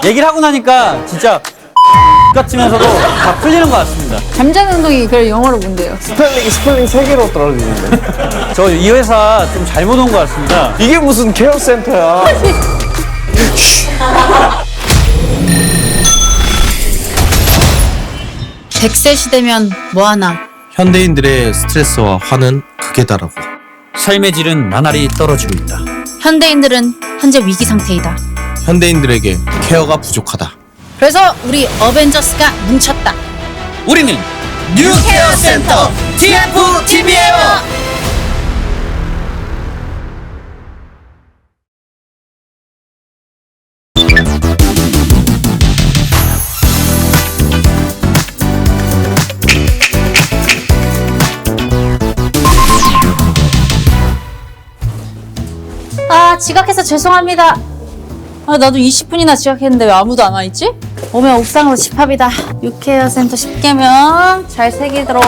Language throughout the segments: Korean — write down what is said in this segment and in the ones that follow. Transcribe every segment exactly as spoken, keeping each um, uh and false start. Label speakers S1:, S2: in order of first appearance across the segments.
S1: 얘기를 하고 나니까 진짜 같으면서도 다 풀리는 것 같습니다.
S2: 잠자는 운동이 그래 영어로 뭔데요?
S3: 스펠링 스펠링 세 개로 떨어지는데.
S1: 저 이 회사 좀 잘못 온 것 같습니다.
S3: 이게 무슨 케어 센터야?
S4: 백 세 시대면 뭐하나.
S5: 현대인들의 스트레스와 화는 극에다라고.
S1: 삶의 질은 나날이 떨어지고 있다.
S4: 현대인들은 현재 위기 상태이다.
S5: 현대인들에게 케어가 부족하다.
S4: 그래서 우리 어벤져스가 뭉쳤다.
S1: 우리는 뉴케어 센터 티에프티비예요.
S2: 아 지각해서 죄송합니다. 아 나도 이십 분이나 지각했는데 왜 아무도 안 와있지? 오면 옥상으로 집합이다. 유케어 센터 십 개명 잘 새기도록.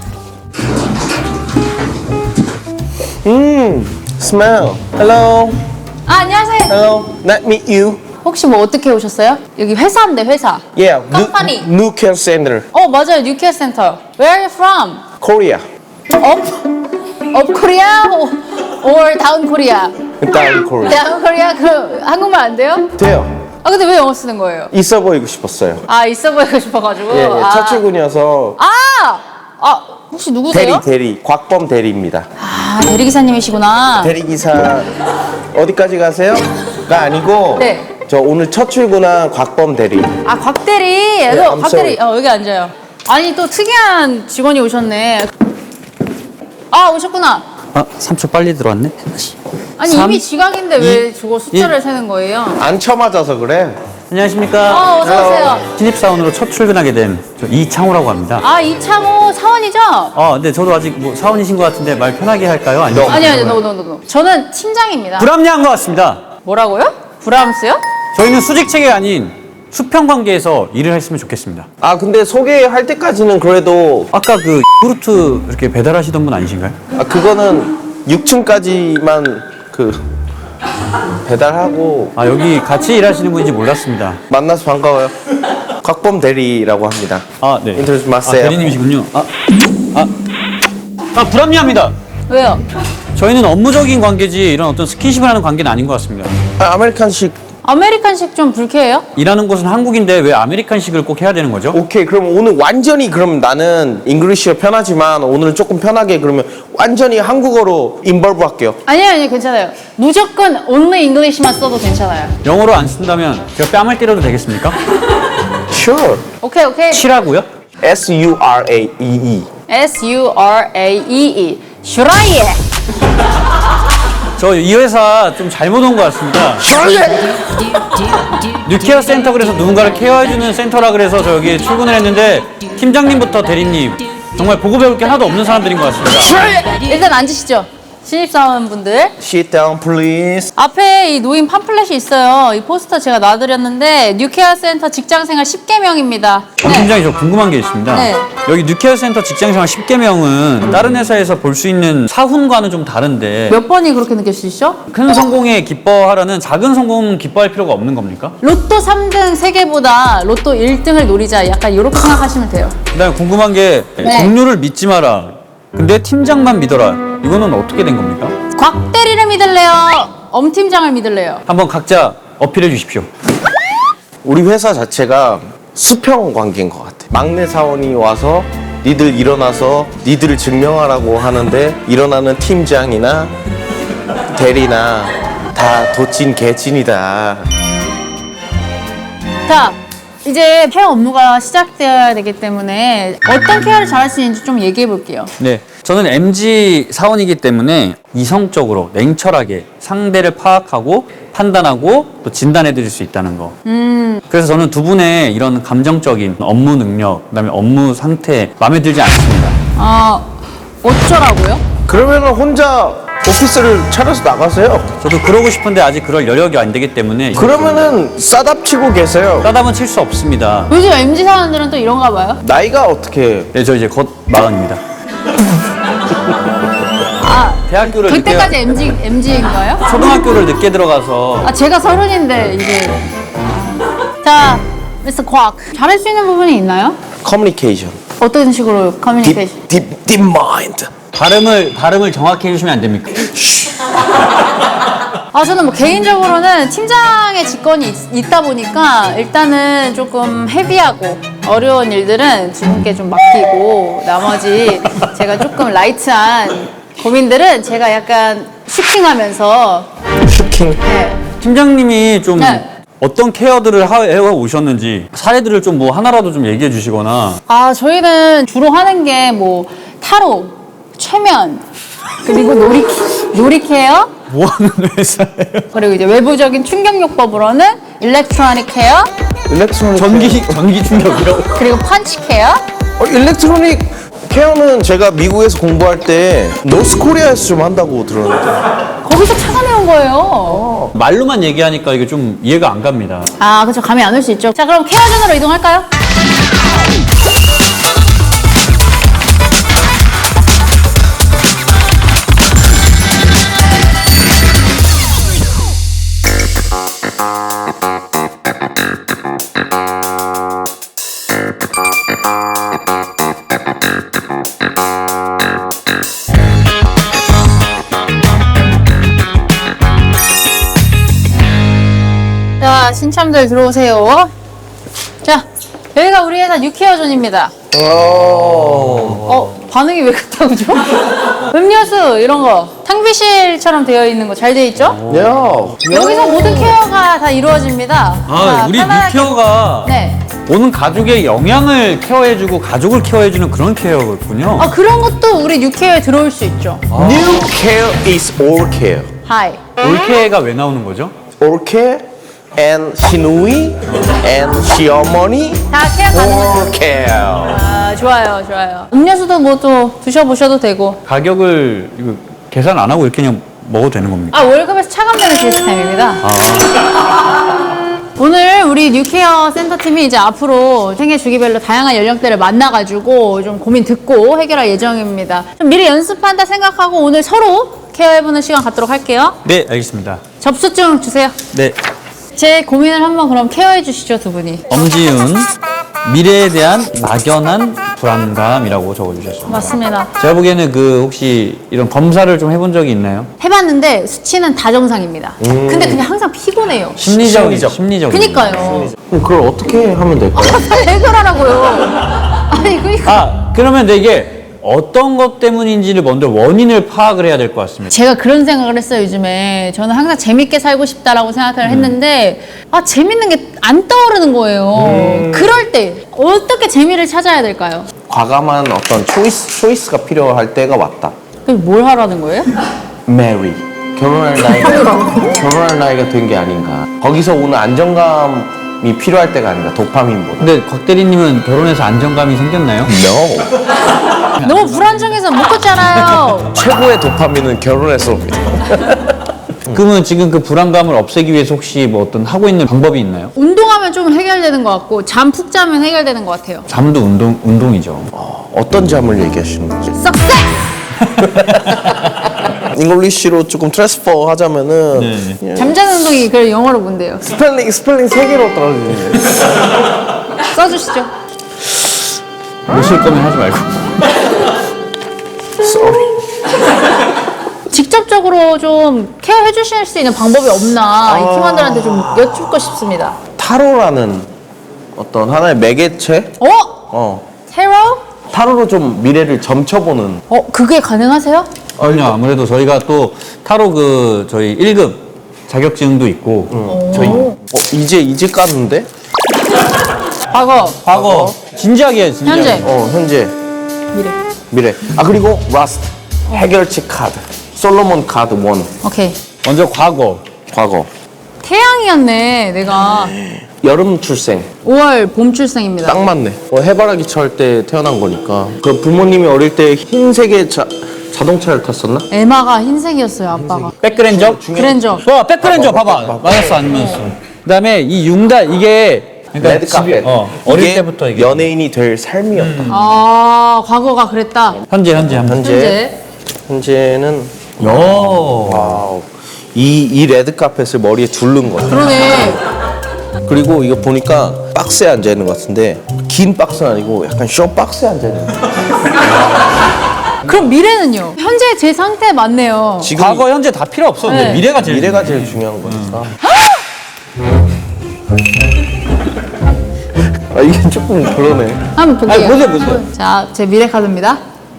S3: 음, smell. Hello,
S2: 아 안녕하세요.
S3: hello. Nice meet you.
S2: 혹시 뭐 어떻게 오셨어요? 여기 회사인데 회사.
S3: Yeah,
S2: Company.
S3: new, new care center,
S2: 어 맞아요 뉴케어 센터. Where are you from?
S3: Korea.
S2: Up? Up Korea or down Korea?
S3: Down Korea.
S2: down Korea? 그 한국말 안 돼요?
S3: 돼요.
S2: 아 근데 왜 영어 쓰는 거예요?
S3: 있어 보이고 싶었어요.
S2: 아 있어 보이고 싶어가지고.
S3: 예, 예.
S2: 아.
S3: 첫 출근이어서
S2: 아! 아 혹시 누구세요?
S3: 대리 대리 곽범 대리입니다.
S2: 아 대리기사님이시구나.
S3: 대리기사 어디까지 가세요?가 아니고
S2: 네.
S3: 저 오늘 첫 출근한 곽범 대리.
S2: 아 곽대리.
S3: 네,
S2: 너
S3: I'm
S2: 곽대리.
S3: sorry.
S2: 어 여기 앉아요. 아니 또 특이한 직원이 오셨네. 아 오셨구나.
S1: 아, 삼 초 빨리 들어왔네.
S2: 아니
S1: 삼,
S2: 이미 지각인데 왜 저거 숫자를 세는 거예요?
S3: 안 쳐맞아서 그래.
S1: 안녕하십니까.
S2: 어 어서 오세요.
S1: 신입사원으로 첫 출근하게 된 저 이창호라고 합니다.
S2: 아 이창호 사원이죠?
S1: 아, 근데 저도 아직 뭐 사원이신 것 같은데 말 편하게 할까요? 아니면
S2: 아니 아니 노노노노. 저는 팀장입니다.
S1: 불합리한 것 같습니다.
S2: 뭐라고요? 브람스요?
S1: 저희는 수직 체계가 아닌 수평 관계에서 일을 했으면 좋겠습니다.
S3: 아 근데 소개할 때까지는 그래도
S1: 아까 그 요구르트 이렇게 배달하시던 분 아니신가요?
S3: 아 그거는 육 층까지만 그 배달하고
S1: 아, 여기 같이 일하시는 분인지 몰랐습니다.
S3: 만나서 반가워요. 곽범 대리라고 합니다.
S1: 아, 네.
S3: 인터뷰
S1: 아,
S3: 마세요.
S1: 대리님이시군요. 아, 아, 아, 불합리합니다.
S2: 왜요?
S1: 저희는 업무적인 관계지 이런 어떤 스킨십을 하는 관계는 아닌 것 같습니다.
S3: 아, 아메리칸식.
S2: 아메리칸식 좀 불쾌해요?
S1: 일하는 곳은 한국인데 왜 아메리칸식을 꼭 해야 되는 거죠?
S3: 오케이 그럼 오늘 완전히 그럼 나는 잉글리시가 편하지만 오늘은 조금 편하게 그러면 완전히 한국어로 인벌브 할게요.
S2: 아니요 아니요 괜찮아요. 무조건 only English만 써도 괜찮아요.
S1: 영어로 안 쓴다면 제가 뺨을 때려도 되겠습니까?
S3: Sure.
S2: 오케이 오케이.
S3: E
S1: 치라고요?
S3: S U R A E E.
S2: S U R A E E. 슈라이에.
S1: 저 이 회사 좀 잘못 온 것 같습니다. 뉴케어 센터 그래서 누군가를 케어해주는 센터라 그래서 저 여기 출근을 했는데 팀장님부터 대리님 정말 보고 배울 게 하나도 없는 사람들인 것 같습니다.
S2: 일단 앉으시죠. 신입사원분들.
S3: Sit down please.
S2: 앞에 이 노인 팜플렛이 있어요. 이 포스터 제가 놔드렸는데 뉴케어 센터 직장생활 십 개명입니다.
S1: 정 팀장님 저 궁금한 게 있습니다.
S2: 네.
S1: 여기 뉴케어 센터 직장생활 십 개명은 다른 회사에서 볼 수 있는 사훈과는 좀 다른데
S2: 몇 번이 그렇게 느껴지시죠?
S1: 큰 성공에 기뻐하려는 작은 성공 기뻐할 필요가 없는 겁니까?
S2: 로또 삼 등 세 개보다 로또 일 등을 노리자. 약간 이렇게 생각하시면 돼요.
S1: 그다음에 궁금한 게
S2: 네.
S1: 동료를 믿지 마라. 근데 팀장만 믿어라. 이거는 어떻게 된 겁니까?
S2: 곽 대리를 믿을래요? 엄 팀장을 믿을래요?
S1: 한번 각자 어필해 주십시오.
S3: 우리 회사 자체가 수평 관계인 것 같아. 막내 사원이 와서 니들 일어나서 니들을 증명하라고 하는데 일어나는 팀장이나 대리나 다 도찐 개찐이다.
S2: 자, 이제 케어 업무가 시작되어야 되기 때문에 어떤 케어를 잘할 수 있는지 좀 얘기해 볼게요.
S1: 네, 저는 엠지 사원이기 때문에 이성적으로 냉철하게 상대를 파악하고 판단하고 또 진단해 드릴 수 있다는 거.
S2: 음,
S1: 그래서 저는 두 분의 이런 감정적인 업무 능력, 그다음에 업무 상태 마음에 들지 않습니다.
S2: 아, 어쩌라고요?
S3: 그러면 혼자 오피스를 차려서 나가세요.
S1: 저도 그러고 싶은데 아직 그럴 여력이 안 되기 때문에
S3: 그러면은 싸답치고 계세요.
S1: 싸담은 칠 수 없습니다.
S2: 요즘 엠지 사원들은 또 이런가 봐요.
S3: 나이가 어떻게?
S1: 네, 저 이제 곧 마흔입니다.
S2: 아,
S1: 대학교를
S2: 그때까지
S1: 늦게,
S2: 엠지, 엠지인가요?
S1: 초등학교를 늦게 들어가서
S2: 아, 제가 서른인데 이제. 자, 자, 미스터 곽. 잘할 수 있는 부분이 있나요?
S3: 커뮤니케이션.
S2: 어떤 식으로 커뮤니케이션?
S3: 딥, 딥, 딥 마인드.
S1: 발음을 발음을 정확히 해주시면 안 됩니까?
S2: 아, 저는 뭐 개인적으로는 팀장의 직권이 있, 있다 보니까 일단은 조금 헤비하고 어려운 일들은 두 분께 좀 맡기고 나머지 제가 조금 라이트한 고민들은 제가 약간 슈킹하면서
S3: 슈킹.
S2: 네.
S1: 팀장님이 좀
S2: 네.
S1: 어떤 케어들을 하- 해 오셨는지 사례들을 좀 뭐 하나라도 좀 얘기해 주시거나.
S2: 아, 저희는 주로 하는 게 뭐 타로, 최면, 그리고 놀이, 놀이 케어,
S1: 뭐 하는 회사예요?
S2: 그리고 이제 외부적인 충격요법으로는 일렉트로닉 케어,
S3: 일렉트로닉
S1: 전기 전기 충격이요?
S2: 그리고 펀치 케어.
S3: 어, 일렉트로닉 케어는 제가 미국에서 공부할 때 노스코리아에서 좀 한다고 들었는데.
S2: 거기서 찾아내온 거예요.
S1: 말로만 얘기하니까 이게 좀 이해가 안 갑니다.
S2: 아, 그렇죠. 감이 안 올 수 있죠. 자, 그럼 케어존으로 이동할까요? 자, 신참들 들어오세요. 자, 여기가 우리 회사 뉴케어존입니다. 어, 반응이 왜 그렇다고 죠? 음료수 이런 거 탕비실처럼 되어 있는 거 잘 되어 있죠?
S3: 야.
S2: 여기서 모든 케어가 다 이루어집니다.
S1: 아,
S2: 자,
S1: 우리
S2: 편안하게-
S1: 뉴케어가
S2: 네.
S1: 오는 가족의 영양을 케어해주고 가족을 케어해주는 그런 케어였군요.
S2: 아, 그런 것도 우리 뉴케어에 들어올 수 있죠.
S3: New care is all care.
S2: 하이.
S1: 올케가 왜 나오는 거죠?
S3: all care and 시누이 and 시어머니
S2: 다 케어 가능해요.
S3: all care.
S2: 아, 좋아요, 좋아요. 음료수도 뭐 또 드셔보셔도 되고.
S1: 가격을 이거 계산 안 하고 이렇게 그냥 먹어도 되는 겁니까?
S2: 아, 월급에서 차감되는 시스템입니다. 오늘 우리 뉴케어 센터팀이 이제 앞으로 생애 주기별로 다양한 연령대를 만나가지고 좀 고민 듣고 해결할 예정입니다. 좀 미리 연습한다 생각하고 오늘 서로 케어해보는 시간 갖도록 할게요.
S1: 네, 알겠습니다.
S2: 접수증 주세요.
S1: 네,
S2: 제 고민을 한번 그럼 케어해 주시죠, 두 분이.
S1: 엄지윤 미래에 대한 막연한 불안감이라고 적어주셨습니다.
S2: 맞습니다.
S1: 제가 보기에는 그 혹시 이런 검사를 좀 해본 적이 있나요?
S2: 해봤는데 수치는 다 정상입니다. 근데 그냥 항상 피곤해요.
S1: 심리적인
S3: 심리적.
S1: 심리적인.
S2: 그니까요.
S3: 그럼 그걸 어떻게 하면 될까요?
S2: 빨리 해결하라고요. 아니, 그니까.
S1: 아, 그러면 이게 어떤 것 때문인지를 먼저 원인을 파악을 해야 될 것 같습니다.
S2: 제가 그런 생각을 했어요, 요즘에. 저는 항상 재밌게 살고 싶다라고 생각을 했는데, 아, 재밌는 게 안 떠오르는 거예요. 그럴 때, 어떻게 재미를 찾아야 될까요?
S3: 과감한 어떤 초이스, 초이스가 필요할 때가 왔다.
S2: 그럼 뭘 하라는 거예요?
S3: Marry. 결혼할 나이가 결혼할 나이가 된 게 아닌가. 거기서 오는 안정감이 필요할 때가 아닌가. 도파민보다.
S1: 근데 곽 대리님은 결혼해서 안정감이 생겼나요?
S3: No.
S2: 너무 불안정해서 못 걷잖아요.
S3: 최고의 도파민은 결혼에서 옵니다.
S1: 그러면 지금 그 불안감을 없애기 위해서 혹시 뭐 어떤 하고 있는 방법이 있나요?
S2: 운동하면 좀 해결되는 것 같고, 잠 푹 자면 해결되는 것 같아요.
S1: 잠도 운동 운동이죠.
S3: 어떤 잠을 얘기하시는 거지?
S2: 석세!
S3: 잉글리시로 조금 트랜스퍼 하자면은
S1: 네.
S2: 잠자는 운동이 그 영어로 뭔데요?
S3: 스펠링 스펠링 세 개로 떨어지는 게.
S2: 써주시죠.
S1: 못 쓸 거면 하지 말고.
S3: Sorry.
S2: 직접적으로 좀 케어해 주실 수 있는 방법이 없나, 이 팀원들한테 좀 여쭙고 싶습니다.
S3: 타로라는 어떤 하나의 매개체?
S2: 어?
S3: 어.
S2: 테러?
S3: 타로로 좀 미래를 점쳐보는.
S2: 어, 그게 가능하세요?
S1: 아니요, 아무래도 저희가 또 타로 그 저희 일 급 자격증도 있고
S3: 저희 어, 이제 이제 깠는데?
S2: 과거,
S1: 과거 진지하게 해요, 진지하게.
S2: 현재,
S3: 어 현재
S2: 미래.
S3: 미래. 아 그리고 라스트 해결책 카드. 솔로몬 카드 원.
S2: 오케이.
S1: 먼저 과거.
S3: 과거.
S2: 태양이었네, 내가.
S3: 여름 출생.
S2: 오월 봄 출생입니다.
S3: 딱 맞네. 어, 해바라기 철 때 태어난 거니까. 그 부모님이 어릴 때 흰색의 자, 자동차를 탔었나?
S2: 에마가 흰색이었어요, 아빠가.
S1: 백그랜저?
S2: 그랜저.
S1: 와, 백그랜저 봐봐. 맞았어, 안 맞았어. 그다음에 이 융단 이게 그러니까
S3: 레드 카펫.
S1: 어, 어릴
S3: 이게
S1: 때부터 이게
S3: 연예인이 될 삶이었다.
S2: 아, 과거가 그랬다.
S1: 현재 현재 현재.
S3: 현재
S2: 현재.
S3: 현재는
S1: 오.
S3: 와우. 이, 이 레드 카펫을 머리에 두른 거야.
S2: 그러네.
S3: 그리고 이거 보니까 박스에 앉아 있는 것 같은데 긴 박스는 아니고 약간 쇼 박스에 앉아 있는 것 같아요.
S2: 그럼 미래는요? 현재 제 상태 맞네요.
S3: 지금
S1: 과거, 현재 다 필요 없어. 근데
S2: 네.
S1: 미래가 제일
S3: 미래가 제일 중요한 거니까. 아 이게 조금 그러네.
S2: 한번 볼게요.
S1: 아니, 보세요, 보세요.
S2: 자, 제 미래 카드입니다.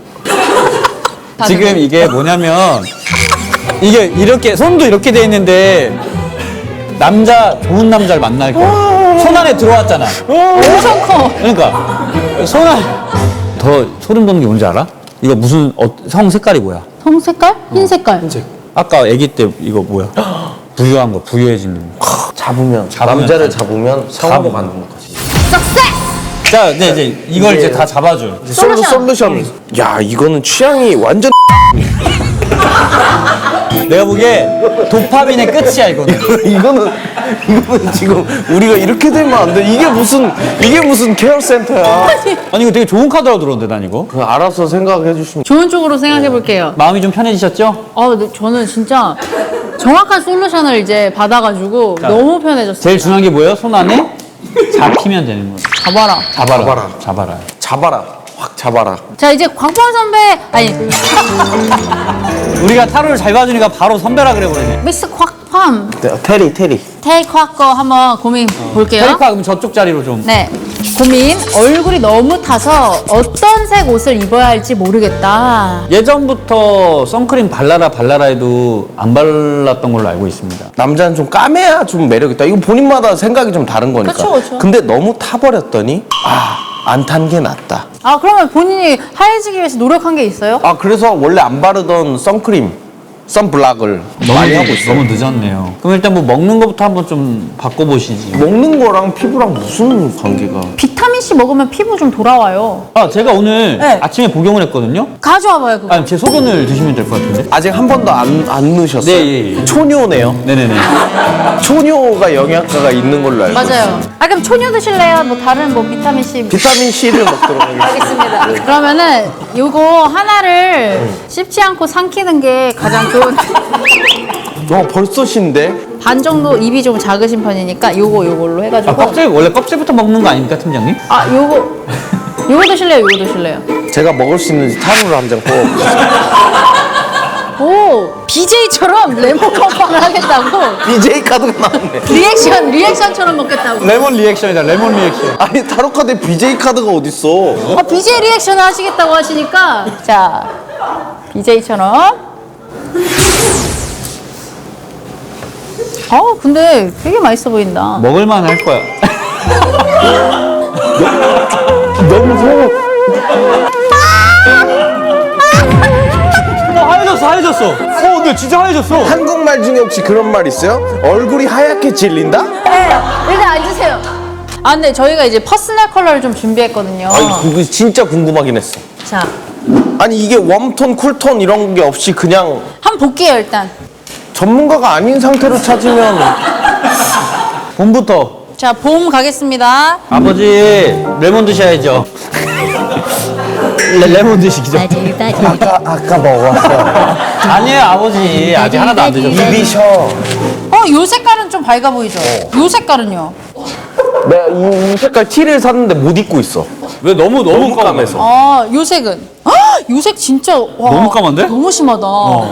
S1: 지금 이게 뭐냐면 이게 이렇게 손도 이렇게 돼 있는데 남자 좋은 남자를 만날 거야. 손 안에 들어왔잖아.
S2: 엄청 커.
S1: 그러니까 손 안에 더 소름 돋는 게 뭔지 알아? 이거 무슨 어, 성 색깔이 뭐야?
S2: 성 색깔? 흰 색깔.
S1: 아까 아기 때 이거 뭐야? 부유한 거, 부유해지는 거.
S3: 잡으면,
S1: 잡으면
S3: 남자를
S1: 다-
S3: 잡으면 성으로
S1: 잡으면.
S3: 만드는 거지.
S1: 자, 이제, 이제 이걸 이제 다 잡아줘.
S3: 솔루, 솔루션. 야 이거는 취향이 완전
S1: 내가 보기에 도파민의 끝이야 이거는.
S3: 이거는 이거는 지금 우리가 이렇게 되면 안 돼. 이게 무슨 이게 무슨 케어 센터야.
S1: 아니 이거 되게 좋은 카드라고 들었는데 난 이거.
S3: 그 알아서 생각해 주시면.
S2: 좋은 쪽으로 생각해 볼게요.
S1: 마음이 좀 편해지셨죠?
S2: 아, 근데 저는 진짜 정확한 솔루션을 이제 받아가지고 너무 편해졌어요.
S1: 제일 중요한 게 뭐예요? 손 안에 잡히면 되는 거예요.
S2: 잡아라.
S1: 잡아라.
S3: 잡아라.
S1: 잡아라.
S3: 잡아라. 확 잡아라.
S2: 자, 이제 광범 선배, 아니,
S1: 우리가 타로를 잘 봐주니까 바로 선배라 그래 버리네.
S2: 미스 콱팜,
S3: 네, 테리 테리.
S2: 테이크화 거 한번 고민 볼게요.
S1: 페이커 그럼 저쪽 자리로 좀.
S2: 네. 고민. 얼굴이 너무 타서 어떤 색 옷을 입어야 할지 모르겠다.
S1: 예전부터 선크림 발라라 발라라 해도 안 발랐던 걸로 알고 있습니다.
S3: 남자는 좀 까매야 좀 매력 있다. 이거 본인마다 생각이 좀 다른 거니까.
S2: 그쵸, 그쵸.
S3: 근데 너무 타버렸더니 아, 안 탄 게 낫다.
S2: 아, 그러면 본인이 하얘지기 위해서 노력한 게 있어요?
S3: 아, 그래서 원래 안 바르던 선크림, 선블락을 많이 하고 있어요.
S1: 너무 늦었네요. 그럼 일단 뭐 먹는 것부터 한번 좀 바꿔보시지.
S3: 먹는 거랑 피부랑 무슨 관계가?
S2: 비타민C 먹으면 피부 좀 돌아와요.
S1: 아 제가 오늘
S2: 네.
S1: 아침에 복용을 했거든요.
S2: 가져와봐요, 그거.
S1: 아니 제 소변을 드시면 될 것 같은데.
S3: 아직 한 번도 안, 안 넣으셨어요?
S1: 네, 예, 예.
S3: 초뇨네요.
S1: 네네네.
S3: 초뇨가 영양가가 있는 걸로 알고 있어요.
S2: 맞아요. 아, 그럼 초뇨 드실래요? 뭐 다른 뭐 비타민C.
S3: 비타민 C를 먹도록 하겠습니다.
S2: 알겠습니다. 그러면은 요거 하나를 씹지 않고 삼키는 게 가장 좋은.
S3: 어, 벌써 신데?
S2: 반 정도 입이 좀 작으신 편이니까 요거 요걸로
S1: 아
S2: 해가지고.
S1: 껍질 원래 껍질부터 먹는 거 아닙니까 팀장님?
S2: 아, 요거 요거 드실래요? 요거 드실래요?
S3: 제가 먹을 수 있는지 타로를 한 장 뽑아보겠습니다.
S2: 오, 비제이처럼 레몬 컵빵을 하겠다고.
S3: 비제이 카드가 나왔네.
S2: 리액션 리액션처럼 먹겠다고.
S1: 레몬 리액션이다. 레몬 리액션.
S3: 아니, 타로 카드에 비제이 카드가 어딨어?
S2: 아, 비제이 리액션을 하시겠다고 하시니까 자, 비제이처럼. 아, 근데 되게 맛있어 보인다.
S1: 먹을만 할 거야.
S3: 너무 소
S1: 어, 하얘졌어, 하얘졌어. 어, 근데 진짜 하얘졌어.
S3: 한국말 중에 혹시 그런 말 있어요? 얼굴이 하얗게 질린다?
S2: 네, 일단 앉으세요. 아, 근데 저희가 이제 퍼스널 컬러를 좀 준비했거든요.
S3: 아니, 그거 진짜 궁금하긴 했어.
S2: 자,
S3: 아니, 이게 웜톤, 쿨톤 이런 게 없이 그냥
S2: 한번 볼게요, 일단.
S3: 전문가가 아닌 상태로 찾으면
S1: 봄부터
S2: 자, 봄 가겠습니다.
S1: 아버지 레몬 드셔야죠. 레, 레몬 드시기죠.
S3: 아까 아까 먹었어.
S1: 아니에요 아버지 아직 하나도 안 드셨어요.
S3: 입이 셔.
S2: 어, 요 색깔은 좀 밝아 보이죠? 요 색깔은요?
S3: 내가 이, 이 색깔 티를 샀는데 못 입고 있어.
S1: 왜 너무 너무,
S3: 너무 까매서.
S2: 아, 요 색은? 요 색 진짜 와,
S1: 너무 까만데?
S2: 너무 심하다.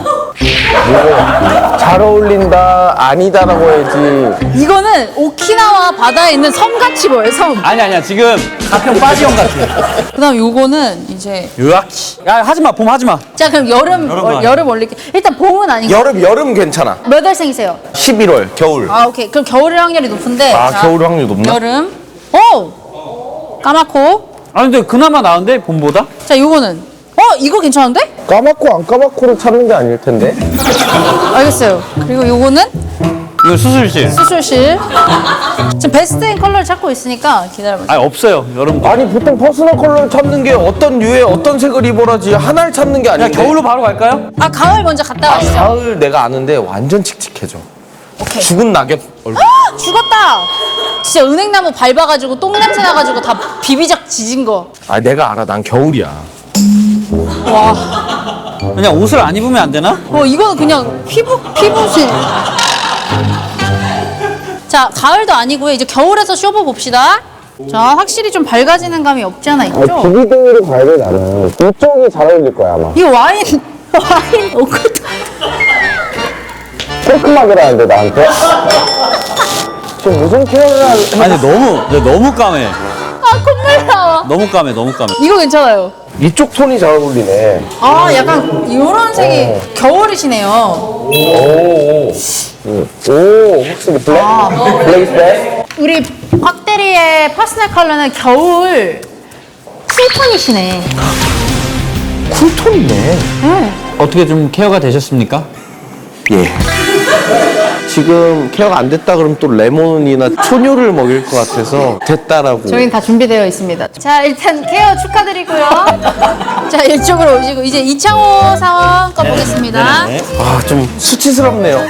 S3: 잘 어울린다 아니다라고 해야지.
S2: 이거는 오키나와 바다에 있는 섬같이 보여요, 섬.
S1: 아니 아니야 지금 가평 빠지형 같아.
S2: 그다음 요거는 이제
S1: 으악치. 야 하지마 봄 하지마.
S2: 자, 그럼 여름
S1: 여름
S2: 어,
S1: 거
S2: 여름 올릴게. 일단 봄은 아니고
S3: 여름 여름 괜찮아.
S2: 몇 월생이세요?
S3: 십일월 겨울.
S2: 아, 오케이. 그럼 겨울 확률이 높은데.
S3: 아,
S2: 자,
S3: 겨울 확률 높나?
S2: 여름. 오! 까맣고.
S1: 아 근데 그나마 나은데 봄보다?
S2: 자, 요거는. 어, 이거 괜찮은데?
S3: 까맣고 안 까맣고를 찾는 게 아닐 텐데.
S2: 알겠어요. 그리고 요거는
S1: 이거 수술실.
S2: 수술실. 지금 베스트인 컬러를 찾고 있으니까 기다려보세요.
S1: 아니 없어요 여름도.
S3: 아니 보통 퍼스널 컬러를 찾는 게 어떤 류의 어떤 색을 입어라지 하나를 찾는 게
S1: 야
S3: 아닌데.
S1: 겨울로 바로 갈까요?
S2: 아, 가을 먼저 갔다
S3: 아,
S2: 가시죠.
S3: 가을 내가 아는데 완전 칙칙해져.
S2: 오케이.
S3: 죽은 낙엽 얼굴.
S2: 죽었다. 진짜 은행나무 밟아가지고 똥냄새 나가지고 다 비비작 지진 거.
S3: 아 내가 알아. 난 겨울이야.
S2: 와.
S1: 그냥 옷을 안 입으면 안 되나?
S2: 어, 이거는 그냥 피부, 피부실. 자, 가을도 아니고요. 이제 겨울에서 쇼부 봅시다. 자, 확실히 좀 밝아지는 감이 없지 않아 있죠?
S3: 기기등으로 봐야 돼, 나는. 이쪽이 잘 어울릴 거야, 아마.
S2: 이 와인, 와인 오크도.
S3: 깔끔하게라는데, 나한테? 지금 무슨 케어를 하는.
S1: 아니 너무 너무 까매.
S2: 아, 콧물 나와.
S1: 너무 까매 너무 까매.
S2: 이거 괜찮아요.
S3: 이쪽 톤이 잘 어울리네.
S2: 아, 약간 이런 색이
S3: 어.
S2: 겨울이시네요.
S3: 오, 오, 오, 확실히 블랙? 블랙 is best?
S2: 우리 곽대리의 퍼스널 컬러는 겨울 쿨톤이시네.
S3: 쿨톤이네.
S2: 네.
S1: 어떻게 좀 케어가 되셨습니까?
S3: 예. 지금 케어가 안 됐다 그러면 또 레몬이나 초뇨를 먹일 것 같아서 됐다라고.
S2: 저희는 다 준비되어 있습니다. 자, 일단 케어 축하드리고요. 자, 이쪽으로 오시고 이제 이창호 사원 거 보겠습니다.
S1: 네.
S3: 아, 좀 수치스럽네요.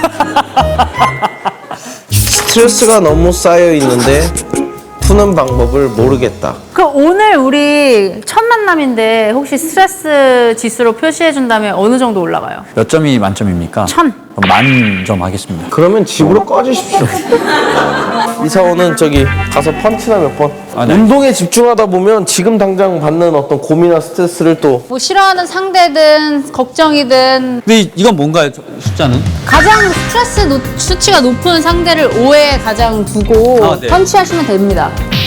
S3: 스트레스가 너무 쌓여 있는데 푸는 방법을 모르겠다.
S2: 그 오늘 우리 첫 만남인데 혹시 스트레스 지수로 표시해 준다면 어느 정도 올라가요?
S1: 몇 점이 만점입니까?
S2: 천.
S1: 만 점 하겠습니다.
S3: 그러면 집으로 꺼지십시오. 이사원은 저기 가서 펀치나 몇 번.
S1: 아, 네.
S3: 운동에 집중하다 보면 지금 당장 받는 어떤 고민이나 스트레스를 또
S2: 뭐 싫어하는 상대든 걱정이든
S1: 근데 이- 이건 뭔가요? 저- 숫자는?
S2: 가장 스트레스 노- 수치가 높은 상대를 오에 가장 두고
S1: 아, 네.
S2: 펀치하시면 됩니다.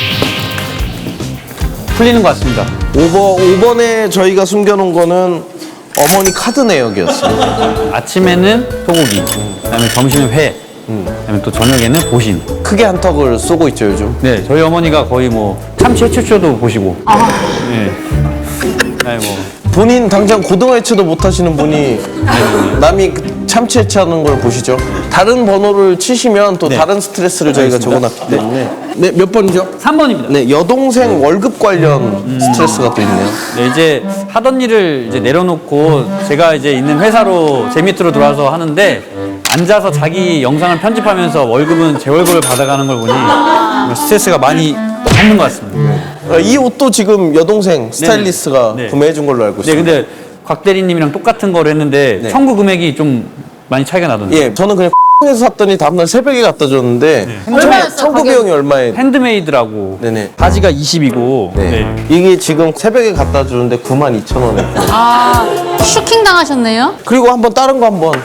S1: 풀리는 것 같습니다.
S3: 오 번, 오 번에 저희가 숨겨놓은 거는 어머니 카드 내역이었어요.
S1: 아침에는 소고기, 그다음에 점심은 회, 그다음에 또 저녁에는 보신.
S3: 크게 한턱을 쏘고 있죠 요즘.
S1: 네, 저희 어머니가 거의 뭐 참치 해초쇼도 보시고. 네. 아니 뭐
S3: 본인 당장 고등어 해체도 못 하시는 분이 남이 그 참치 해체하는 걸 보시죠. 다른 번호를 치시면 또
S1: 네.
S3: 다른 스트레스를 저희가
S1: 알겠습니다.
S3: 적어놨기 때문에. 네, 몇 번이죠?
S1: 삼 번입니다.
S3: 네, 여동생 월급 관련 스트레스가 또 있네요.
S1: 네, 이제 하던 일을 이제 내려놓고 제가 이제 있는 회사로 제 밑으로 들어와서 하는데 앉아서 자기 영상을 편집하면서 월급은 제 월급을 받아가는 걸 보니 스트레스가 많이 받는 것 같습니다.
S3: 어, 이 옷도 지금 여동생 스타일리스트가
S1: 네.
S3: 구매해 준 걸로 알고
S1: 네,
S3: 있습니다.
S1: 근데 곽 대리님이랑 똑같은 거를 했는데
S3: 네.
S1: 청구 금액이 좀 많이 차이가 나던데.
S3: 예, 저는 그냥 에서 샀더니 다음날 새벽에 갖다 줬는데
S2: 얼마였어요,
S3: 청구
S2: 가격?
S3: 비용이 얼마에?
S1: 핸드메이드라고.
S3: 네네.
S1: 바지가 이십이고.
S3: 네. 이게 지금 새벽에 갖다 주는데 구만 이천 원에.
S2: 아, 슈킹 당하셨네요?
S3: 그리고 한번 다른 거 한번.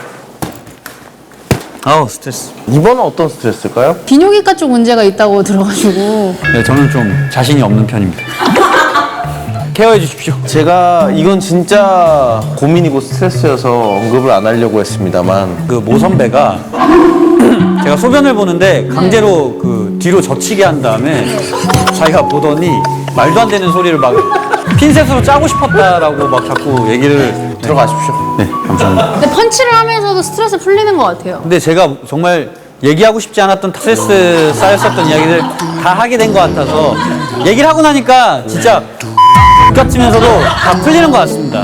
S1: 아우 스트레스.
S3: 이번은 어떤 스트레스일까요?
S2: 비뇨기과 쪽 문제가 있다고 들어가지고.
S1: 네, 저는 좀 자신이 없는 편입니다. 케어해 주십시오.
S3: 제가 이건 진짜 고민이고 스트레스여서 언급을 안 하려고 했습니다만
S1: 그 모 선배가 제가 소변을 보는데 강제로 그 뒤로 젖히게 한 다음에 자기가 보더니 말도 안 되는 소리를 막 핀셋으로 짜고 싶었다라고 막 자꾸 얘기를.
S3: 들어가십시오.
S1: 네, 감사합니다.
S2: 근데 펀치를 하면서도 스트레스 풀리는 것 같아요.
S1: 근데 제가 정말 얘기하고 싶지 않았던 스트레스 쌓였었던 이야기들 다 하게 된 것 같아서 얘기를 하고 나니까 진짜 같으면서도 다 풀리는 것 같습니다.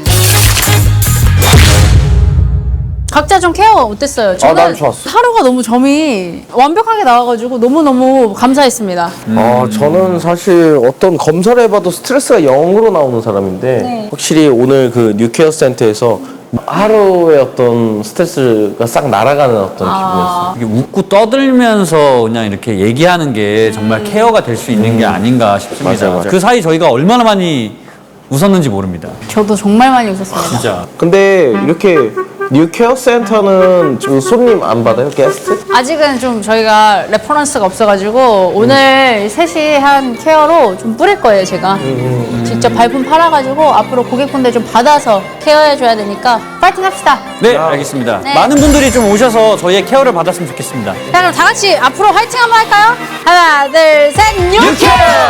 S2: 각자 좀 케어 어땠어요? 저는
S3: 난 좋았어.
S2: 하루가 너무 점이 완벽하게 나와가지고 너무너무 감사했습니다.
S3: 어, 저는 사실 어떤 검사를 해봐도 스트레스가 영으로 나오는 사람인데
S2: 네.
S3: 확실히 오늘 그 뉴케어 센터에서 하루의 어떤 스트레스가 싹 날아가는 어떤 기분이었어요.
S1: 이게 웃고 떠들면서 그냥 이렇게 얘기하는 게 정말 케어가 될 수 있는 게 아닌가 싶습니다.
S3: 맞아요, 맞아요.
S1: 그 사이 저희가 얼마나 많이 웃었는지 모릅니다.
S2: 저도 정말 많이 웃었습니다.
S1: 진짜.
S3: 근데 이렇게 뉴케어 센터는 좀 손님 안 받아요? 게스트?
S2: 아직은 좀 저희가 레퍼런스가 없어가지고 오늘 셋이 한 케어로 좀 뿌릴 거예요, 제가. 직접 발품 팔아가지고 앞으로 고객분들 좀 받아서 케어해줘야 되니까 파이팅 합시다.
S1: 네, 알겠습니다.
S2: 네.
S1: 많은 분들이 좀 오셔서 저희의 케어를 받았으면 좋겠습니다.
S2: 자, 그럼 다 같이 앞으로 화이팅 한번 할까요? 하나, 둘, 셋, 뉴케어!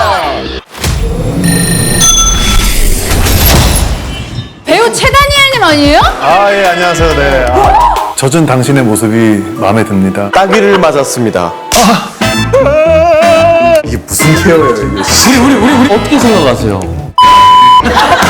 S2: 배우 최다니엘님 아니에요?
S6: 아, 예, 안녕하세요. 네. 아, 젖은 당신의 모습이 마음에 듭니다.
S3: 따귀를 맞았습니다.
S6: 이게 무슨 케어예요, 이게.
S1: 우리, 우리, 우리, 우리 어떻게 생각하세요?